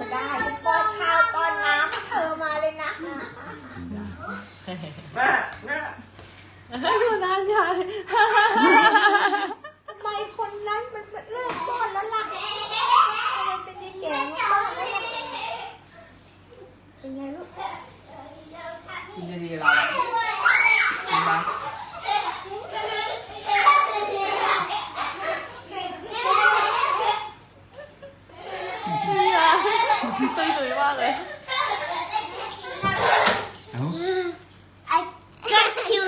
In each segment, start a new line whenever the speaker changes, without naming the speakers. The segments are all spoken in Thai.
ได้จะป้อนข้าวป้อนน้ำเธอมาเลยนะ
แม่
อยู่นานใหญ่
ทำไมคนนั้นมันเลิกป้อนแล้วล่ะมันเป็นยังแก่มาป้อนแล้วล่ะเป็นไงลูก
กินดีๆเราอะกินปะ
ตุยมากเลย
เอ้า
I got you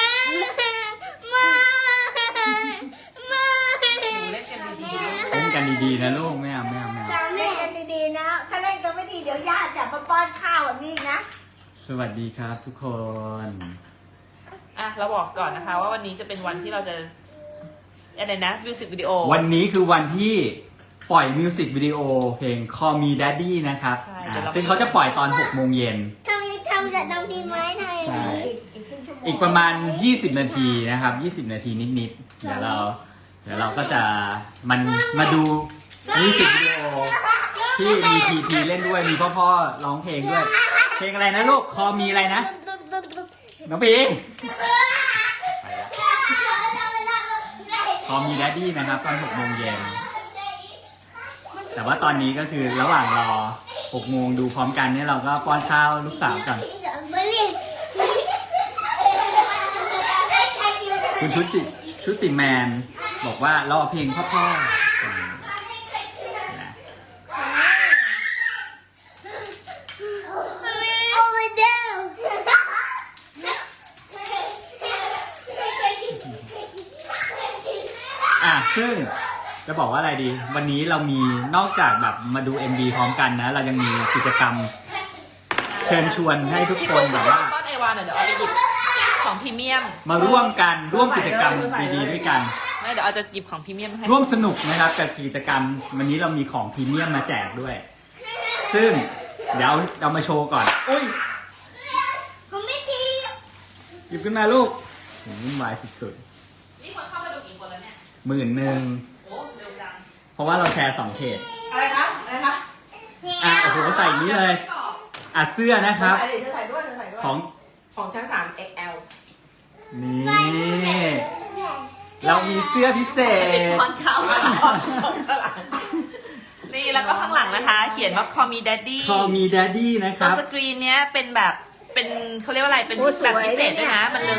หนูเล่นกันดีๆลูก
เล่นกันดีๆนะลูกไม่เอา
เล่นกันดีๆนะถ้าเล่นกันไม่ดีเดี๋ยวญาติจะมาป้อนข้าวแบบนี้นะ
สวัสดีครับทุกคน
อ่ะเราบอกก่อนนะคะว่าวันนี้จะเป็นวันที่เราจะอะไรนะมิวสิกวิดีโอ
วันนี้คือวันที่ปล่อยมิวสิกวิดีโอเพลง Call Me Daddy นะครับ
ใช่
ซึ่งเขาจะปล่อยตอน 6 โมงเย็น
ทำจากน้องพิมพ์ไว้ไทย
ใช่
อีกครึ่งชั่วโมง
อีกประมาณ 20 นาทีนะครับ 20 นาทีนิดๆ เดี๋ยวเราก็จะมาดูมิวสิกวิดีโอที่มีพีพีเล่นด้วยมีพ่อๆร้องเพลงด้วย เพลงอะไรนะลูก Call Me อะไรนะ น้องพีไปละ Call Me Daddy นะครับตอน 6 โมงเย็น แต่ว่าตอนนี้ก็คือระหว่างรอ 6 โมงดูพร้อมกันเนี่ยเราก็ป้อนข้าวลูกสาวก่อน คุณชุติแมนบอกว่ารอเพลงพ่อๆนะ
Over there
ซึ่งจะบอกว่าอะไรดี วันนี้เรามีนอกจากแบบมาดู MV พร้อมกันนะ เรายังมีกิจกรรมเชิญชวนให้ทุกคนแบบว่า
ป้อนเอวาหน่อยเดี๋ยวเอาไปหยิบของพรีเมียม
มาร่วมกิจกรรมดีๆด้วยกัน
ไม่เดี๋ยวเอาจะหยิบของพรีเมียมให้
ร่วมสนุกนะครับกับกิจกรรมวันนี้เรามีของพรีเมียมมาแจกด้วย ซึ่งเดี๋ยวเรามาโชว์ก่อนอุ้ย
ผมไม่ที
หยิบขึ้นมาลูกวุ่นวายสุด
นี่คนเข้ามาดูกี่คนแล้วเนี่ย
ๆ10,000
โอ้เร็วจัง
เพราะว่าเราแชร์2เขต
อะไรครับอะไรครับ
โอ้โหใส่อย่างนี้เลยเสื้อนะครับ
เธอถ่ายด้วยของชั้น3 XL
นี่เรามีเสื้อพิเศ
ติด
ษ
คอนเขานี่แล้วก็ข้างหลังนะคะ เขียนว่า Call Me Daddy
Call Me Daddy นะค
ตัว
รับ
สกรีนเนี้ยเป็นแบบเป็นเขาเรียกว่าอะไรเป็นแบบพิเศษด้วยนะมันเรือง